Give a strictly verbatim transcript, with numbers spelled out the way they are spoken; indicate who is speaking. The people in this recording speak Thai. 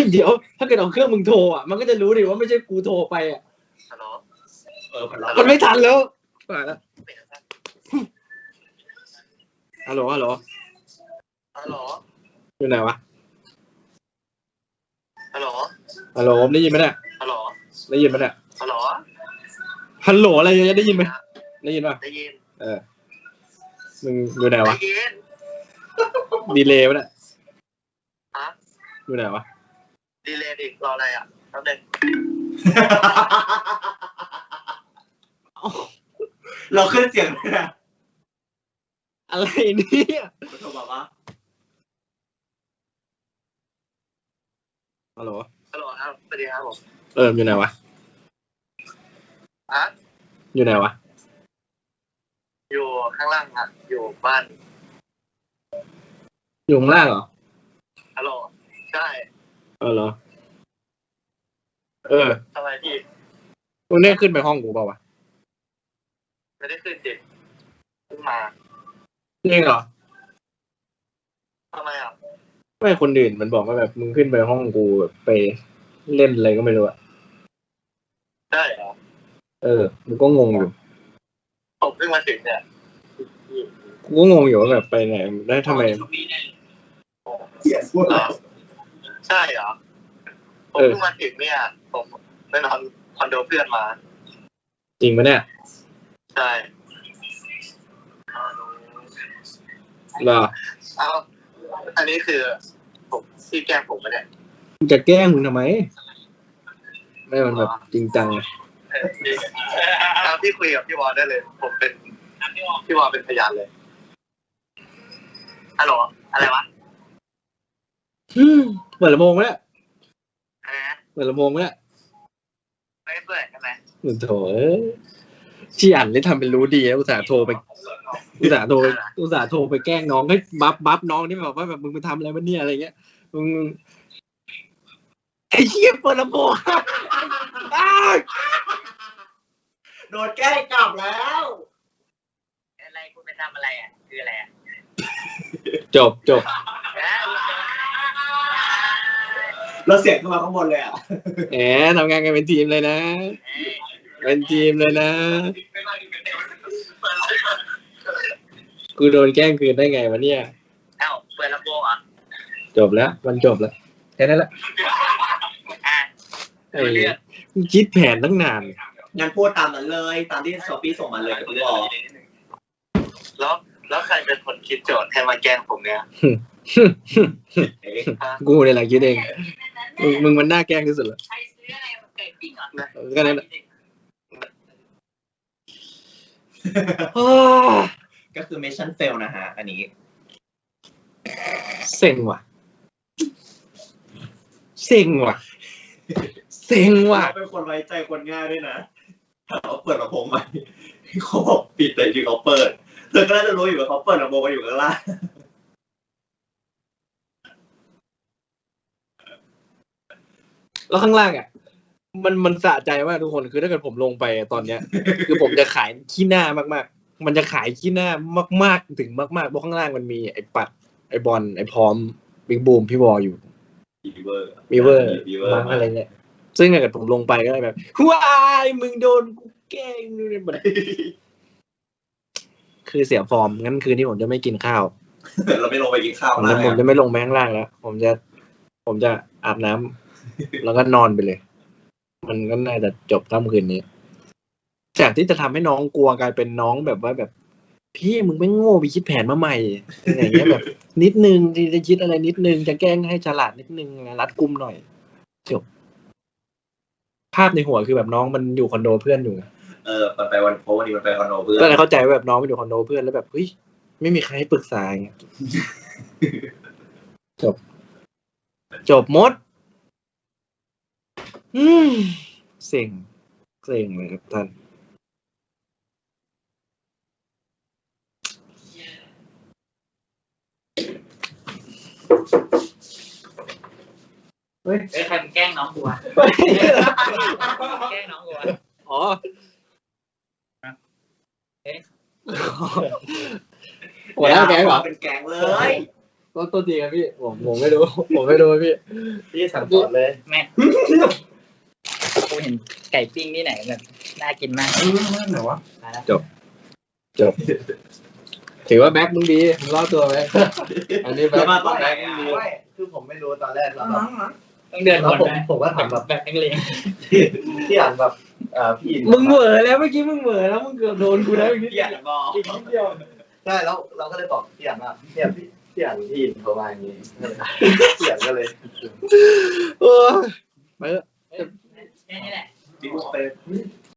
Speaker 1: ฮ้ยเดี๋ยวถ้าเกิดเอาเครื่องมึงโทรอ่ะมันก็จะรู้ดิว่าไม่ใช่กูโทรไปอ่ะฮัลโหลเออมันไม่ทันแล้วไปแล้วฮัลโหลฮัลโหลฮัลโหลอยู่ไหนวะฮัลโหลฮัลโหลได้ยินไหมเนี่ยฮัลโหลได้ยินไหมเนี่ยฮัลโหลฮัลโหลอะไรเนี่ยได้ยินไหมได้ยินป่ะได้ยินเออมึงอยู่ไหนวะดีเลย์ป่ะเนี่ยฮะอยู่ไหนวะดีเลย์ดิรออะไรอ่ะแป๊บนึง
Speaker 2: เราขึ้นเสียงเลยนะ
Speaker 1: อะไรเนี่ย
Speaker 2: โทรบอกว่า
Speaker 1: ฮัลโหล
Speaker 2: ฮัลโหลครับสวัสดีครับผม
Speaker 1: เอออยู่ไหนวะ
Speaker 2: ฮะ
Speaker 1: อยู่ไหนวะ
Speaker 2: อยู่ข้างล่างครับอยู่บ้าน
Speaker 1: อยู่ข้างล่างเหรอ
Speaker 2: ฮัลโหลใช่
Speaker 1: เออเหรอเออ
Speaker 2: ทำไมพี่
Speaker 1: มึงได้ขึ้นไปห้องกูเปล่าวะ
Speaker 2: ไม่ได้ขึ้นจิขึ้นมา
Speaker 1: จริงเหรอ
Speaker 2: ทำไมอ่ะ
Speaker 1: ไม่คนอื่นมันบอกว่าแบบมึงขึ้นไปห้องกูแบบไปเล่นอะไรก็ไม่รู้อะ
Speaker 2: ได้เหรอ
Speaker 1: เออมึงก็งงอยู่
Speaker 2: ผมเพิ่งมาถึงเนี่ย
Speaker 1: กูก็งงอยู่ว่าแบบไปไหนได้ทำไม
Speaker 2: เสียพูดเหรอใช่เหรอผมเพิ่งมาถึงเนี่ยผมไปนอนคอนโดเพื่อนมา
Speaker 1: จริงปะเนี่ย
Speaker 2: ใช่
Speaker 1: เหรอ
Speaker 2: เอาอันนี้คือผมที่แกล้งผมไม่ได้
Speaker 1: มึงจะแกล้งมึงทำไมไม่มันแบบจริงจัง
Speaker 2: เอาพี่คุยกับพี่วอลได้เลยผมเป็นพี่วอลเป็นพยานเลยฮัลโหลอะไรวะ
Speaker 1: เปิดลำโพงไหมเนี่ย
Speaker 2: อะไรนะ
Speaker 1: เปิดลำโพงไหมเนี่ย
Speaker 2: ไม่เปิดใช่ไหม
Speaker 1: หนูโถที่อ่านได้ทำเป็นรู้ดีอุตส่าห์โทรไปอุตส่าห์โทรอุตส่าห์โทรไปแกล้งน้องให้บัฟบัฟน้องนี่แบบว่าแบบมึงไปทำอะไรวะเนี่ยอะไรเงี้ยมึงไอ้เหี้ยเปิดลำโพง
Speaker 2: โดนแกล้งกลับแล้วอะไรคุณไปทำอะไรอ่ะคืออะไรอ่ะ
Speaker 1: จบจบ
Speaker 2: เราเสียงขึ้นมาข้างบนเลยอ่ะ
Speaker 1: แหมทำงานกันเป็นทีมเลยนะเป็นทีมเลยนะกูโดนแกล้งคืนได้ไงวะเนี่ย
Speaker 2: เอ้าเปิดลำโพงเหรอ
Speaker 1: จบแล้วมันจบแล้วแค่นั้นแหละไอ้คิดแผนตั้งนาน
Speaker 2: งั้นพูดตามนั้นเลยตามที่ซอฟี่ส่งมาเลยกับพี่วอลแล้วแล้วใครเป็นคนคิดโจทย์ให้มาแกล้งผมเนี่ย
Speaker 1: กูเนี่ยแหละคิดเองมึงมึงมันน่าแกล้งที่สุดแล้ว
Speaker 2: ใครซื้ออะไรมาเกิดจริงเหรอ
Speaker 1: ก็นั่นแหละ
Speaker 2: ก็คือ mission fail นะฮะอันนี้
Speaker 1: เซ็งว่ะเซ็งว่ะเซ็งว่ะ
Speaker 2: เป็นคนไว้ใจคนง่ายด้วยนะถ้าเขาเปิดลำโพงไปเขาบอกปิดแต่จริงเขาเปิดเธอก็น่าจะรู้อยู่ว่าเขาเปิดลำโพงมาอยู่ข้างล่าง
Speaker 1: แล้วข้างล่างอ่ะมันมันสะใจมากทุกคนคือถ้าเกิดผมลงไปตอนเนี้ยคือผมจะขายขี้หน้ามากๆมันจะขายขี้หน้ามากๆถึงมากๆเพราะข้างล่างมันมีไอ้ปัดไอ้บอลไอ้พร้อมบิ๊กบูมพี่วออยู่
Speaker 2: มีเวอร์
Speaker 1: มีเวอร์มั้งอะไรเงี้ยซึ่งถ้าเกิดผมลงไปก็ได้แบบว้ายมึงโดนกูแกล้งนู่นนี่แบบคือเสียฟอร์มงั้นคืนนี้ผมจะไม่กินข้าว
Speaker 2: เราไม่ลงไปกินข้าว
Speaker 1: ผมจะผมจะไม่ลงแม้ข้างล่างแล้วผมจะผมจะอาบน้ำแล้วก็นอนไปเลยมันก็น่าจะจบค่ำคืนนี้จากที่จะทำให้น้องกลัวกลายเป็นน้องแบบว่าแบบพี่มึงไม่โง่ไปคิดแผนมาใหม่อย่างเงี้ยแบบนิดนึงที่จะคิดอะไรนิดนึงจะแกล้งให้ฉลาดนิดนึงรัดกุมหน่อยจบภาพในหัวคือแบบน้องมันอยู่คอนโดเพื่อนอยู่
Speaker 2: เออมันไปวันโพสนี่มันไปคอนโดเพื่อน
Speaker 1: ก็เลยเข้าใจว่าแบบน้องมันอยู่คอนโดเพื่อนแล้วแบบเฮ้ยไม่มีใครให้ปรึกษาอย่างเงี้ยจบจบหมดอืมเซ็งเซ็งเลยครับท่าน
Speaker 3: เฮ้ยใครมันแกล้งน้องกูวะแกล้งน้องกูวะ
Speaker 1: อ๋อ
Speaker 3: เอ๊ะ
Speaker 1: หัวหน้าแก๊งเหรอ
Speaker 2: เป็นแก๊งเลย
Speaker 1: ก็ตัวทีครับพี่ผมผมไม่รู้ผมไม่รู้พี่
Speaker 2: พี่สั่งสอนเลย
Speaker 3: แม่กูเห็นไก่ปิ้งที่ไหนแบบน่ากินมาก
Speaker 2: ไหนวะ
Speaker 3: มาแล้ว
Speaker 1: จบถือว่าแบ็คมึงดีมึงรอดตัวไหมอันนี้แบ็ค
Speaker 2: มาตอนแรกไม่คือผมไม่รู้ตอนแรกแล้วแบบ
Speaker 3: ต้องเดิน
Speaker 2: แล้ว
Speaker 3: วน
Speaker 2: ผม
Speaker 3: ไป
Speaker 2: ผมก็ถามแบบ
Speaker 3: แบบนักเลง
Speaker 2: ที่อ่านแบบอ่าพี่
Speaker 1: มึงเหวอแล้วเมื่อกี้มึงเหวอแล้วมึงเกือบโดนกูแล้วอีกนิด
Speaker 3: เกียดบอก
Speaker 1: อีกนิดเดียว
Speaker 2: ใช่แล้วเราก็เลยบอกพี่อ่านว่าพี่อ่านพี่พี่อ่านพี่เขามาอย่างนี้พี่อ่านก็เลย
Speaker 1: เออไปเถอะ
Speaker 3: แค่นี้แหละ
Speaker 2: บิ๊กเป